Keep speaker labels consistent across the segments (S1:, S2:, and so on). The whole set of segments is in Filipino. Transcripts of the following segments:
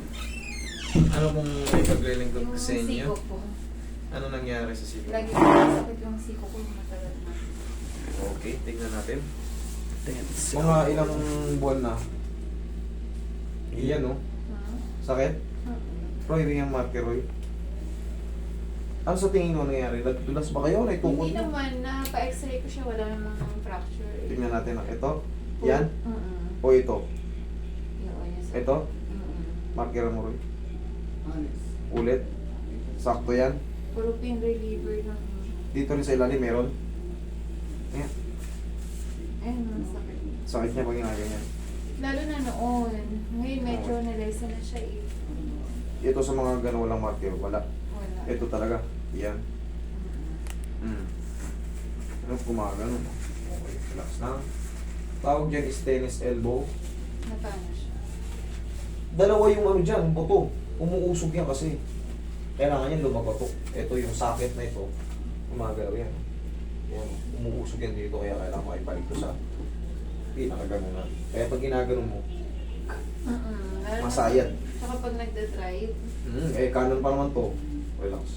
S1: Ano kung may paglilingkod
S2: Yung
S1: sa inyo?
S2: siko po.
S1: Ano nangyari sa siko?
S2: Lagi ko sakit yung siko ko matagal na.
S1: Okay, tingnan natin.
S3: Tense.
S1: Mga ilang buwan na. Iyan, no?
S2: Hmm?
S1: Sakit? Roy, ring ang marker, Roy. Ano sa tingin mo nangyari? Nagdulas ba kayo? Naitukod
S2: Hindi
S1: mo?
S2: naman, napa-x-ray ko siya, wala namang fracture.
S1: Tingnan natin. Ito? Yan?
S2: Mm-mm.
S1: O ito?
S2: Yun, yun.
S1: Ito?
S2: Mm-mm.
S1: Marker mo, Roy. Ulit. Sakto yan.
S2: Puro pain reliever lang.
S1: Dito rin sa ilalim meron. Ayan.
S2: Ayun, masakit.
S1: Sakit niya pag ginaganyan.
S2: Lalo na noon. Ngayon medyo nalesa na siya eh.
S1: Ito sa mga ganun walang marker. Wala.
S2: Wala.
S1: Ito talaga. Yan.
S2: Mm.
S1: Ano gumagano? Okay, relax na. Tawag dyan is tennis elbow.
S2: Napano siya.
S1: Dalawa yung ano dyan, buto. Umuusog yan kasi. Kailangan yan lumabato. Ito yung socket na ito. Gumagalaw yan. Yan. Umuusog yan dito kaya kailangan makibalik ko sa pinakaganunan. Kaya pag ginaganon mo,
S2: Lalo na-
S1: masayad.
S2: Tsaka pag nagda-drive,
S1: Kanan pa naman to. Relax.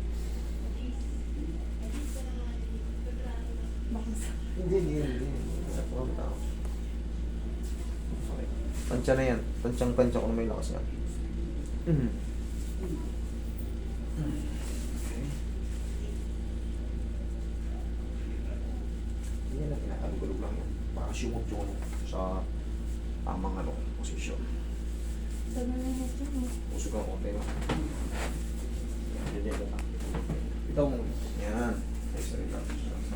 S1: Hindi. Okay. Tansya na yan. Tansyang-tansya ko na may lakas yan. Okay. Yan na, kinakagulog lang yan. Para sumot yung ano, sa tamang ano, posisyon.
S2: sabi na nito eh.
S1: Pusok lang konti lang. Yan. Ikaw mo. Yan. Extra relax.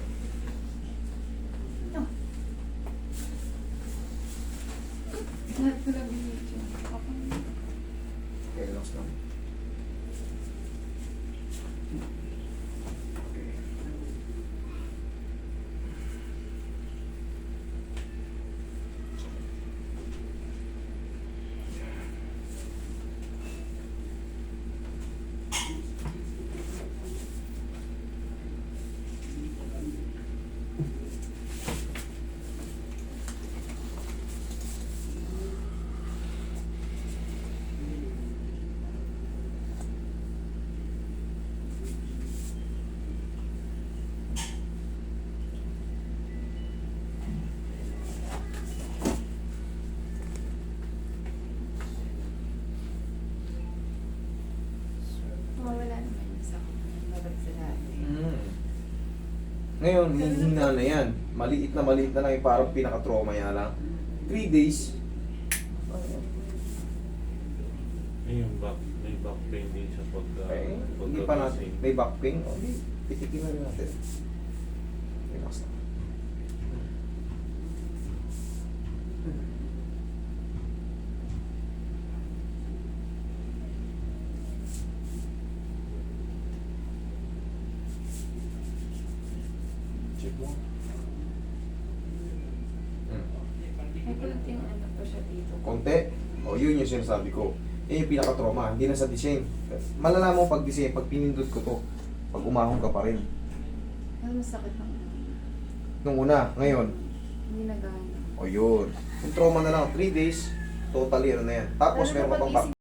S2: Lahat ko lang binidyo.
S1: Okay, relax lang. Okay.
S2: Mawala naman yung sakit. Babalik sa dati.
S1: Ngayon, hihina na yan. Maliit na lang yung parang pinaka-trauma niya lang. 3 days.
S4: Yung back, may back pain din siya pagka,
S1: Hindi pa natin. May back pain. Okay, pitikin na rin natin. Relax na. Check mo.
S2: May kunting ano pa siya dito.
S1: Konti. O, yun yung sinasabi ko. Yan yung pinaka-trauma. Hindi na sa design. Malalaman mo pag design, pag pinindot ko to, pag umahon ka pa rin.
S2: Mas masakit ng
S1: Nung una, ngayon,
S2: hindi na gana.
S1: o yun. Yung trauma na lang, 3 days, totally ano na yan. Tapos
S2: Lalo
S1: meron
S2: na
S1: ka
S2: pag
S1: pang back